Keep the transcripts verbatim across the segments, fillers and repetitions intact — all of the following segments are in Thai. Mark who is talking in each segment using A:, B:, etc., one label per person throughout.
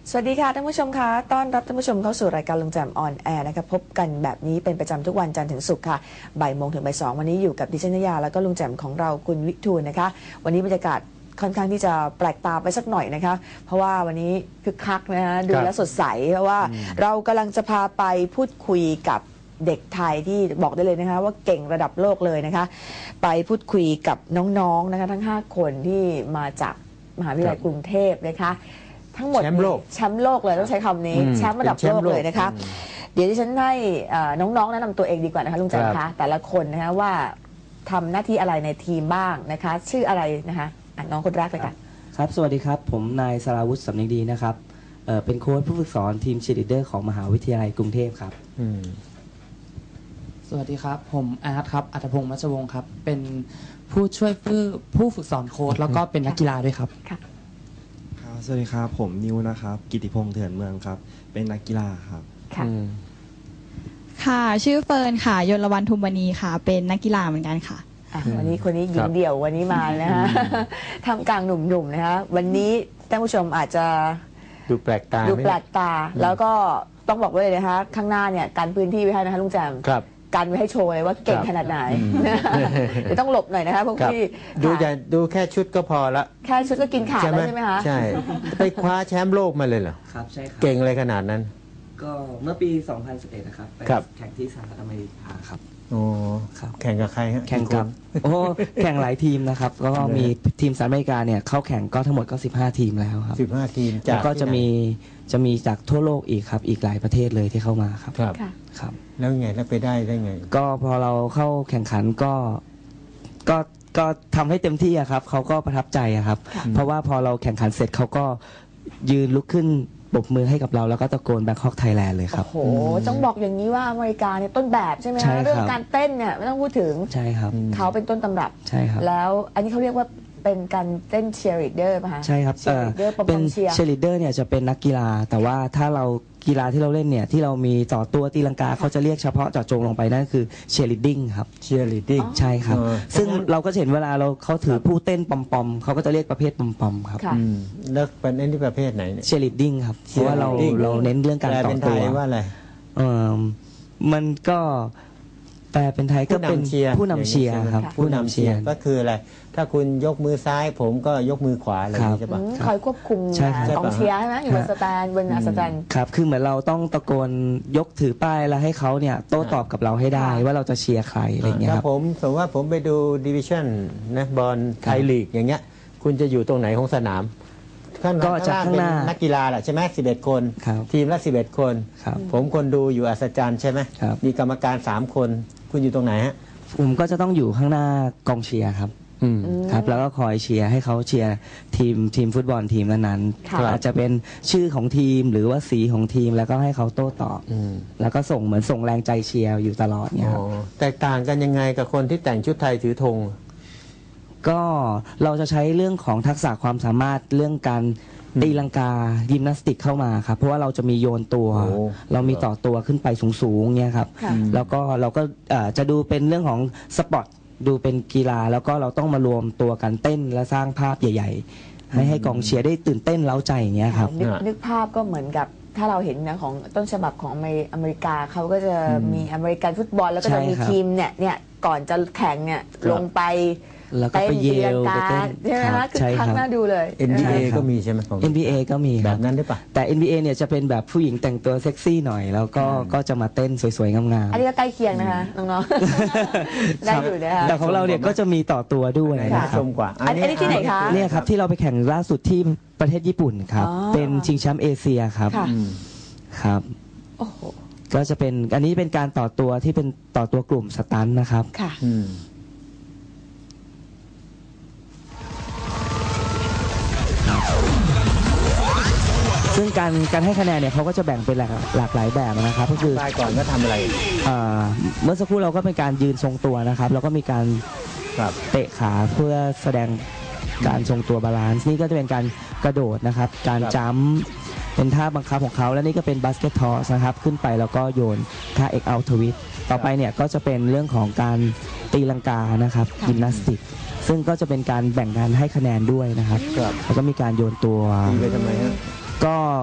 A: สวัสดีค่ะท่านผู้ชมคะต้อนรับท่านผู้ชมเข้าสู่รายการลุงแจมออนแอร์นะคะพบกันแบบนี้เป็นประจำทุกวันจันทร์ถึงศุกร์ค่ะบ่ายโมงถึงบ่ายสองวันนี้อยู่กับดิฉันนยาแล้วก็ลุงแจมของเราคุณวิทูลนะคะวันนี้บรรยากาศค่อนข้างที่จะแปลกตาไปสักหน่อยนะคะเพราะว่าวันนี้คึกคักนะฮะดูแลสดใสเพราะว่าเรากำลังจะพาไปพูดคุยกับเด็กไทยที่บอกได้เลยนะคะว่าเก่งระดับโลกเลยนะคะไปพูดคุยกับน้องๆนะคะทั้งห้าคนที่มาจากมหาวิทยาลัยกรุงเทพนะคะทั้งหมดแชมป์โลกแชมป์โลกเลยต้องใช้คำนี้แชมป์ระดับโลกเลยนะคะเดี๋ยวที่ฉันให้น้องๆแนะนำตัวเองดีกว่านะคะลุงแจมคะแต่ละคนนะคะว่าทำหน้าที่อะไรในทีมบ้างนะคะชื่ออะไรนะคะน้องคนแรกเลยค่ะ
B: ครับสวัสดีครับผมนายสราวุฒิสำนึกดีนะครับเอ่อเป็นโค้ชผู้ฝึกสอนทีมเชียร์ลีดเดอร์ของมหาวิทยาลัยกรุงเทพครับ
C: สวัสดีครับผมอาร์ตครับอัธพงษ์มัชวงศ์ครับเป็นผู้ช่วยผู้ฝึกสอนโค้ชแล้วก็เป็นนักกีฬาด้วยครับ
D: สวัสดีครับผมนิวนะครับกิติพงษ์เถื่อนเมืองครับเป็นนักกีฬาครับ
A: ค่ะ
E: ค่ะชื่อเฟิร์นค่ะยลวรรณทุมวณีค่ะเป็นนักกีฬาเหมือนกันค่ะ
A: วันนี้คนนี้หญิงเดี่ยววันนี้มานะคะทำกลางหนุ่มๆนะคะวันนี้ท่านผู้ชมอาจจะ
F: ดูแปลกตา
A: ดูแปลกตาแล้วก็ต้องบอกไว้เลยนะคะข้างหน้าเนี่ยการพื้นที่ไว้ให้นะคะลุงแจม
F: ครับ
A: การไว้ให้โชว์เลยว่าเก่งขนาดไหนเดี๋ยวต้องหลบหน่อยนะคะพวกพี่
F: ดูอย่าดูแค่ชุดก็พอละ
A: แค่ชุดก็กินขาดแล้วใช่ไหมคะ
F: ใช่ไปคว้าแชมป์โลกมาเลยเหรอ
B: ครับใช่ครับ
F: เก่งเลยขนาดนั้น
B: ก็เมื่อปี สองพันสิบเอ็ด นะครับไปแข่งที่สหรัฐอเมริกาครับ
F: โอ้ครับแข่งกับใครฮะ
B: แข่งกับโอ้แข่งหลายทีมนะครับก็มีทีมสหรัฐอเมริกาเนี่ยเข้าแข่งก็ทั้งหมดก็สิบห้าทีมแล้วครับ
F: สิบห้าทีม
B: แล้วก็จะมีจะมีจากทั่วโลกอีกครับอีกหลายประเทศเลยที่เข้ามาครับ
F: ครับ
B: ครับ
F: แล้วไงแล้วไปได้ได้ไง
B: ก็พอเราเข้าแข่งขันก็ก็ก็ทำให้เต็มที่อะครับเขาก็ประทับใจอะครับเพราะว่าพอเราแข่งขันเสร็จเขาก็ยืนลุกขึ้นปรบมือให้กับเราแล้วก็ตะโกนแบงคอกไทยแลนด์เลยครับ
A: โอ้โหต้องบอกอย่างนี้ว่าอเมริกาเนี่ยต้นแบบใช่ไหมคะเรื่องการเต้นเนี่ยไม่ต้องพูดถึง
B: ใช่ครับ
A: เขาเป็นต้นตำรับ
B: ใช่ครับ
A: แล้วอันนี้เขาเรียกว่าเป็นการเต้นเชียร์ลีดเดอร์ป่ะคะ
B: ใช่ครับเป็นเชียร์ลีดเดอร์เนี่ยจะเป็นนักกีฬาแต่ว่าถ้าเรากีฬาที่เราเล่นเนี่ยที่เรามีต่อตัวตีลังกาเขาจะเรียกเฉพาะเจาะจงลงไปนั่นคือเชียร์ลีดดิ้งครับ
F: เชียร์ลีดดิ้ง
B: ใช่ครับซึ่งเราก็เห็นเวลาเราเขาถือผู้เต้นปอมปอมเขาก็จะเรียกประเภทปอมปอมครับ
F: แล้วเป็นเล่นที่ประเภทไหนเนี่ย
B: เชียร์ลีดดิ้งครับเพราะว่าเราเราเน้นเรื่องการต่อตัว
F: ว่าอะไร
B: เออมันก็แปลเป็นไทยก็เป็นผู้นำเชียร์ครับ
F: ผู้นำเชียร์ก็คืออะไรถ้าคุณยกมือซ้ายผมก็ยกมือขวาอะไรใช่ปะ
A: คอยควบคุมกองเชียร์ใช่ไหมอยู่บนสแตนบนสแตน
B: ครับคือเหมือนเราต้องตะโกนยกถือป้ายแล้วให้เขาเนี่ยโต้ตอบกับเราให้ได้ว่าเราจะเชียร์ใครอะไรอย่างเงี้ยครับ
F: ถ้าผมสมมติว่าผมไปดูดิวิชั่นนะบอลไทยลีกอย่างเงี้ยคุณจะอยู่ตรงไหนของสนาม
B: ก็จะข้างหน้า
F: นักกีฬาแหละใช่ไหมสิบเอ็ดคนทีมละสิบเอ็ดคนผมคนดูอยู่อัศจรรย์ใช่ไหมมีกรรมการสามคนคุณอยู่ตรงไหนฮะ
B: ผมก็จะต้องอยู่ข้างหน้ากองเชียร์ครับครับแล้วก็คอยเชียร์ให้เขาเชียร์ทีมทีมฟุตบอลทีมนั้นๆอาจจะเป็นชื่อของทีมหรือว่าสีของทีมแล้วก็ให้เขาโต้ตอบแล้วก็ส่งเหมือนส่งแรงใจเชียร์อยู่ตลอดเนี่ยครับ
F: แตกต่างกันยังไงกับคนที่แต่งชุดไทยถือธง
B: ก็เราจะใช้เรื่องของทักษะความสามารถเรื่องการตีลังกายิมนาสติกเข้ามาครับเพราะว่าเราจะมีโยนตัวเรามีต่อตัวขึ้นไปสูงๆเนี่ยครับแล้วก็เราก็จะดูเป็นเรื่องของสปอร์ตดูเป็นกีฬาแล้วก็เราต้องมารวมตัวกันเต้นและสร้างภาพใหญ่ๆให้ให้กองเชียร์ได้ตื่นเต้นเร้าใจอย่างเงี้ยครับ
A: นึกภาพก็เหมือนกับถ้าเราเห็นนะของต้นฉบับของอเมริกาเขาก็จะมีอเมริกันฟุตบอลแล้วก็จะมีทีมเนี่ยเนี่ยก่อนจะแข่งเนี่ยลงไป
B: แล้วก็ไปเยลไปเต้น
A: ใช่ไหมคะคือคักน่าดูเลย
F: เอ็น บี เอ ก็มีใช่ไหมของ
B: เอ็น บี เอ ก็มี
F: แบบนั้นได้ปะ
B: แต่ เอ็น บี เอ เนี่ยจะเป็นแบบผู้หญิงแต่งตัวเซ็กซี่หน่อยแล้วก็ก็จะมาเต้นสวยๆงามๆ
A: อันนี้ก็ใกล้เคียงนะคะน้องๆได้อยู่นะคะ
B: แต่ของเราเนี่ยก็จะมีต่อตัวด้วยนะครับ
A: อันนี้ที่ไหนคะ
B: เนี่ยครับที่เราไปแข่งล่าสุดที่ประเทศญี่ปุ่นครับเป็นชิงแชมป์เอเชียครับครับก็จะเป็นอันนี้เป็นการต่อตัวที่เป็นต่อตัวกลุ่มสตันนะครับ
A: ค่ะ
B: ซึ่งการการให้คะแนนเนี่ยเขาก็จะแบ่งเป็นหลากหลากหลายแบบนะครับก็คือ
F: ได้ก่อนก็ทำอะไร
B: เมื่อสักครู่เราก็เป็นการยืนทรงตัวนะครับแล้วก็มีการเตะขาเพื่อแสดงการทรงตัวบาลานซ์นี่ก็จะเป็นการกระโดดนะครับการจัมป์เป็นท่าบังคับของเขาและนี่ก็เป็นบาสเกตทอสนะครับขึ้นไปแล้วก็โยนท่าเอ็กเอาทวิตต่อไปเนี่ยก็จะเป็นเรื่องของการตีลังกานะครับยิมนาสติกซึ่งก็จะเป็นการแบ่งการให้คะแนนด้วยนะครับแล้วก็มีการโยนตัว
F: ไปทำไมฮะ
B: ก็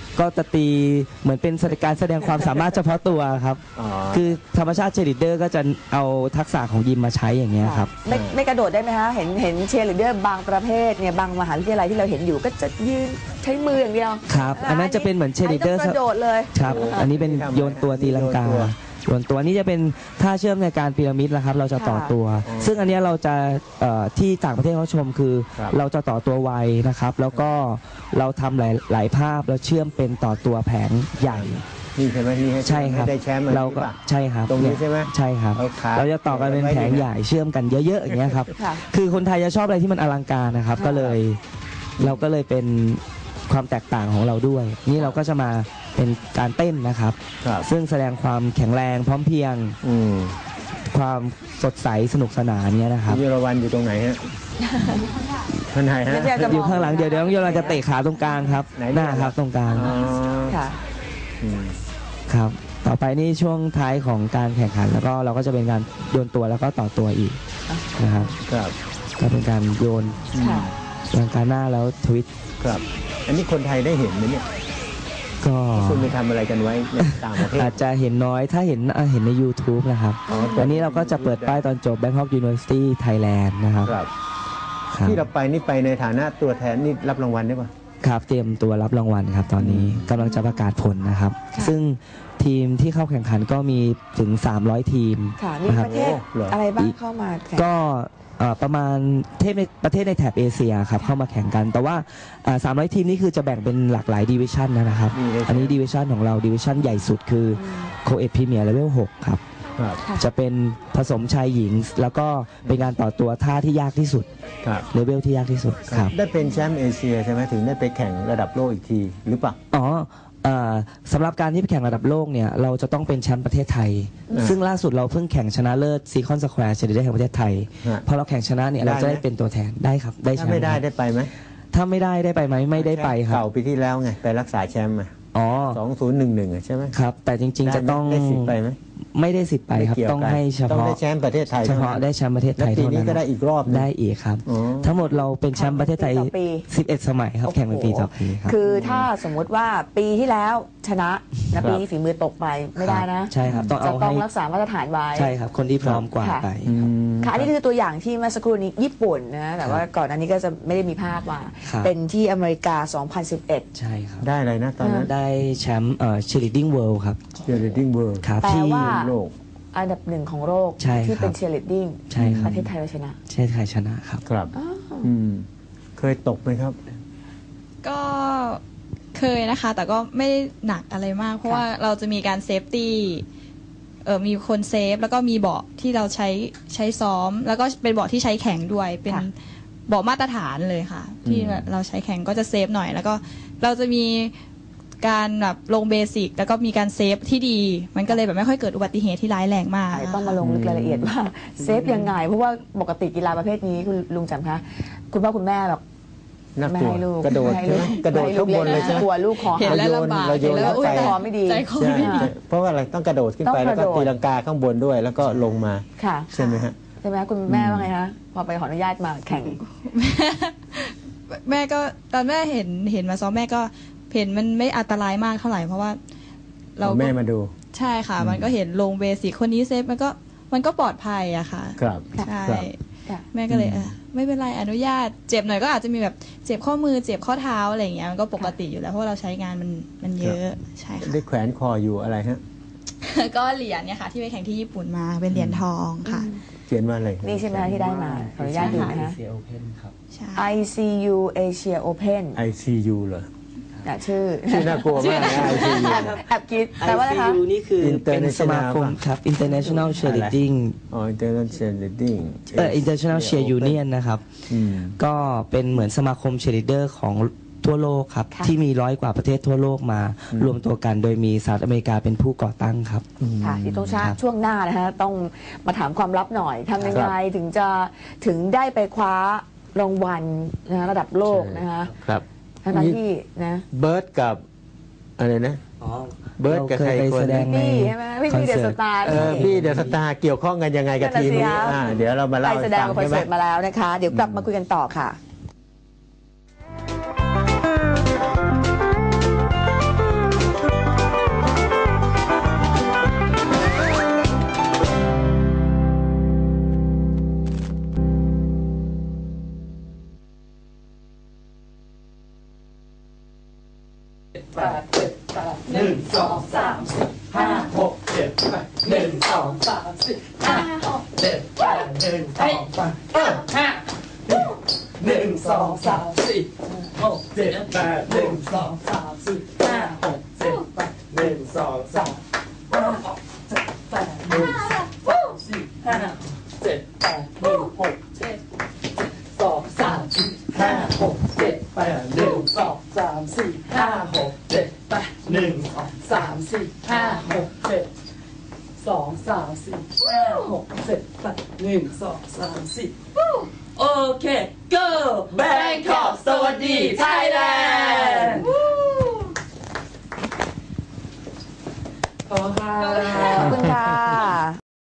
B: ก็จะตีเหมือนเป็นการแสดงความสามารถเฉพาะตัวครับคือธรรมชาติเชียร์ลีดเดอร์ก็จะเอาทักษะของยิมมาใช้อย่างเงี้ยครับ
A: ไม่ไม่กระโดดได้ไหมคะเห็นเห็นเชียร์ลีดเดอร์บางประเภทเนี่ยบางมหาวิทยาลัยที่เราเห็นอยู่ก็จะยืนใช้มืออย่างเดียว
B: ครับอันนั้นจะเป็นเหมือนเชียร์ลีดเดอร์
A: กระโดดเลย
B: ครับอันนี้เป็นโยนตัวตีลังกาส่วนตัวนี้จะเป็นท่าเชื่อมในการพีระมิดนะครับเราจะต่อตัวซึ่งอันนี้เราจะที่ต่างประเทศเขาชมคือเราจะต่อตัวไวนะครับแล้วก็เราทำหลายหลายภาพแล้วเชื่อมเป็นต่อตัวแผงใหญ่
F: นี่ใช่ไหมนี่
B: ใช่ครับ
F: ได้แชมป์
B: เราก็ใช่ครับ
F: ตรงนี้ใช่ไหม
B: ใช่ครับเราจะต่อกันเป็นแผงใหญ่เชื่อมกันเยอะๆอย่างเงี้ยครับคือคนไทยจะชอบอะไรที่มันอลังการนะครับก็เลยเราก็เลยเป็นความแตกต่างของเราด้วยนี่เราก็จะมาเป็นการเต้นนะครับซึ่งแสดงความแข็งแรงพร้อมเพรียงความสดใสสนุกสนานเนี้ยนะครับ
F: ยุรวันอยู่ตรงไหนฮะท่านไหนฮะ
B: อยู่ข้างหลังเดี๋ยวเดี๋ยวยุรวันจะเตะขาตรงกลางครับหน้าครับตรงกลาง
A: ค่ะ
B: ครับต่อไปนี่ช่วงท้ายของการแข่งขันแล้วก็เราก็จะเป็นการโยนตัวแล้วก็ต่อตัวอีกนะครับก็เป็นการโยนลังกาหน้าแล้วทวิต
F: ครับอันนี้คนไทยได้เห็นไหมเนี่ย
B: ก็
F: คุณไปทำอะไรกันไว้ในต่างประเทศ
B: อาจจะเห็นน้อยถ้าเห็นเห็นใน YouTube นะครับอันนี้เราก็จะเปิดป้ายตอนจบ Bangkok University Thailand นะครับ
F: ที่เราไปนี่ไปในฐานะตัวแทนนี่รับรางวัลได้ป่ะ
B: ครับเตรียมตัวรับรางวัลครับตอนนี้กำลังจะประกาศผลนะครับซึ่งทีมที่เข้าแข่งขันก็มีถึงสามร้อยทีม
A: มีประเทศอะไรบ้างเข้ามา
B: ก็ประมาณในประเทศในแถบเอเชียครับเข้ามาแข่งกันแต่ว่าสามร้อยทีมนี่คือจะแบ่งเป็นหลากหลายดิวิชั่นนะครับอันนี้ดิวิชั่นของเราดิวิชั่นใหญ่สุดคือโคเอพรีเมียร์เลเวลหกครับจะเป็นผสมชายหญิงแล้วก็เป็นการต่อตัวท่าที่ยากที่สุดเลเวลที่ยากที่สุดครับ
F: ได้เป็นแชมป์เอเชียใช่ไหมถึงได้ไปแข่งระดับโลกอีกทีหรือเปล่า
B: อ๋อสำหรับการที่ไปแข่งระดับโลกเนี่ยเราจะต้องเป็นแชมป์ประเทศไทยซึ่งล่าสุดเราเพิ่งแข่งชนะเลิศซีคอนสแควร์เชลิเดอร์แห่งประเทศไทยพอเราแข่งชนะเนี่ยเราจะได้เป็นตัวแทนได้ครับได้แชมป์ถ้า
F: ไม่ได้ได้ไปไหม
B: ถ้าไม่ได้ได้ไปไหมไม่ได้ไปครับ
F: เก่าปีที่แล้วไงไปรักษาแชมป์มาอ๋อสองศูนย์หนึ่งหนึ่งใช่ไหม
B: ครับแต่จริงๆจะต้อง
F: ได้สิทธิ์ไปไหม
B: ไม่ได้สิทธิ์ไปครับต้องให้เฉพาะ
F: ต้องได้แชมป์ประเทศไทย
B: เฉพาะได้แชมป์ประเทศไทย
F: เท่านั้นปีนี้ก็ได้อีกรอบ
B: ได้อีกครับทั้งหมดเราเป็นแชมป์ประเทศไทยสิบเอ็ดสมัยครับแข่งเป็นปีต่อปีครับ
A: คือถ้าสมมุติว่าปีที่แล้วชนะและปีนี้ฝีมือตกไปไม่ได้นะ
B: ใช่ครับต้องเอา
A: ต้องรักษามาตรฐานไว้
B: ใช่ครับคนที่พร้อมกว่าไป
A: ค่ะอันนี้คือตัวอย่างที่เมื่อสักครู่นี้ญี่ปุ่นนะแต่ว่าก่อนอันนี้ก็จะไม่ได้มีภาพมาเป็นที่อเมริกาสองพันสิบเอ็ด
B: ใช่ครับ
F: ได้อะไรนะตอนนั้น
B: ได้แชมป์เอ่อ Cheerleading World ครับ
F: Cheerleading World
B: ครับที่
A: โลกอันดับหนึ่งของโลกที่เป็นเชียร์ลีดดิ้งประเทศไทยเราชนะ
B: ประเทศไทยชนะครับ
F: ครับอืมเคยตกไหมครับ
E: ก็เคยนะคะแต่ก็ไม่ได้หนักอะไรมากเพราะว่าเราจะมีการเซฟตี้เออมีคนเซฟแล้วก็มีเบาะที่เราใช้ใช้ซ้อมแล้วก็เป็นเบาะที่ใช้แข่งด้วยเป็นเบาะมาตรฐานเลยค่ะที่เราใช้แข่งก็จะเซฟหน่อยแล้วก็เราจะมีการแบบลงเบสิกแล้วก็มีการเซฟที่ดีมันก็เลยแบบไม่ค่อยเกิดอุบัติเหตุที่ร้ายแรงมาก
A: ต้องมาลงลึกรายละเอียดว่าเซฟยังไงเพราะว่าปกติกีฬาประเภทนี้คุณลุงจำคะคุณพ่อคุณแม่แบบ
F: ไม่ให้ลูกกระโดดกระโดดข้างบนเลยใช่ไหม
A: กลัวลูกคอ
E: เห็นแล้วลำบาก
F: เราโยน
A: แล้วใจคอไม่ดี
E: ใจคอไม่ดี
F: เพราะว่าอะไรต้องกระโดดขึ้นไปแล้วก็ตีลังกาข้างบนด้วยแล้วก็ลงมาใช่ไหมฮะ
A: ใช่ไหมคุณแม่ว่าไงคะพอไปขออนุญาตมาแข่ง
E: แม่ก็ตอนแม่เห็นเห็นมาซ้อมแม่ก็เห็นมันไม่อันตรายมากเท่าไหร่เพราะว่า
F: เราแม่มาดู
E: ใช่ค่ะมันก็เห็นลงเบสิกคนนี้เซฟมันก็มันก็ปลอดภัยอะค่ะ
F: ครับ
E: ใช่แม่ก็เลยเออไม่เป็นไรอนุญาตเจ็บหน่อยก็อาจจะมีแบบเจ็บข้อมือเจ็บข้อเท้าอะไรอย่างเงี้ยมันก็ปกติอยู่แล้วเพราะเราใช้งานมันมันเยอะใช่ค่ะ
F: ได้แขวนคออยู่อะไรฮะ
E: ก็เหรียญเนี่ยค่ะที่ไปแข่งที่ญี่ปุ่นมาเป็นเหรียญทองค่ะ
F: เขียนว่าอะไร
A: นี่ใช่ไหมที่ได้มาขออนุญาตดูนะคะ ไอ ซี ยู Asia Open
F: ไอ ซี ยู เหรอ
A: ชื่อ
F: ชื่อน่ากลัวมากนะ ไอ ซี ยู
A: แอบคิดแต่ว่าอะไรคะ
B: ไอ ซี ยู นี่คือเป็นสมาคมครับ International Cheerleading
F: อ๋อ International Cheerleading
B: เอ่อ International Cheer Union นะครับก็เป็นเหมือนสมาคมเชียร์ลีดเดอร์ของทั่วโลกครับที่มีร้อยกว่าประเทศทั่วโลกมารวมตัวกันโดยมีสหรัฐอเมริกาเป็นผู้ก่อตั้งครับ
A: ค่ะที่ต้องชาช่วงหน้านะฮะต้องมาถามความลับหน่อยทำยังไงถึงจะถึงได้ไปคว้ารางวัลนะระดับโลกนะคะ
F: ครับ
A: ทั้งที่นะ
F: เบิร์ดกับอะไรนะเบิร์ดกับใครคน
A: พี่ใช่ไหมพี่เดอะสตาร์
F: เออพี่เดอะสตาร์เกี่ยวข้องกันยังไงกับทีมนี้เดี๋ยวเรามาเล่าให้ฟัง
A: ใช่ไหมมาแล้วนะคะเดี๋ยวกลับมาคุยกันต่อค่ะ
G: จ็ดแปดหนึ่งสองสามสี่ห้าหกเจ็ดแปดหนึ่งสองสามเออห้าหนึ่งสองสามสี่หกเจ็ดแปดหนึ่งสองสามสี่ห้าหกเจ็ดแปดหนึ่งสองสามห้าหกเจ็ดแปดหนึ่งสองสี่ห้าเจ็ดแปดหนึ่งหกเจ็ดสองสามสี่ห้าหกเจ็ดแปดหนึ่งสองสามสี่ห้าหกเจ็ดแปดหนึ่งสองสามสี่ห้าหกเจ็ดสองสามสี่ห้าหกเจ็ดแปดหนึ่งสองสามสี่โอเค go Bangkok สวัสดี Thailand ขอบคุณค่ะ
A: ขอบคุณค่ะ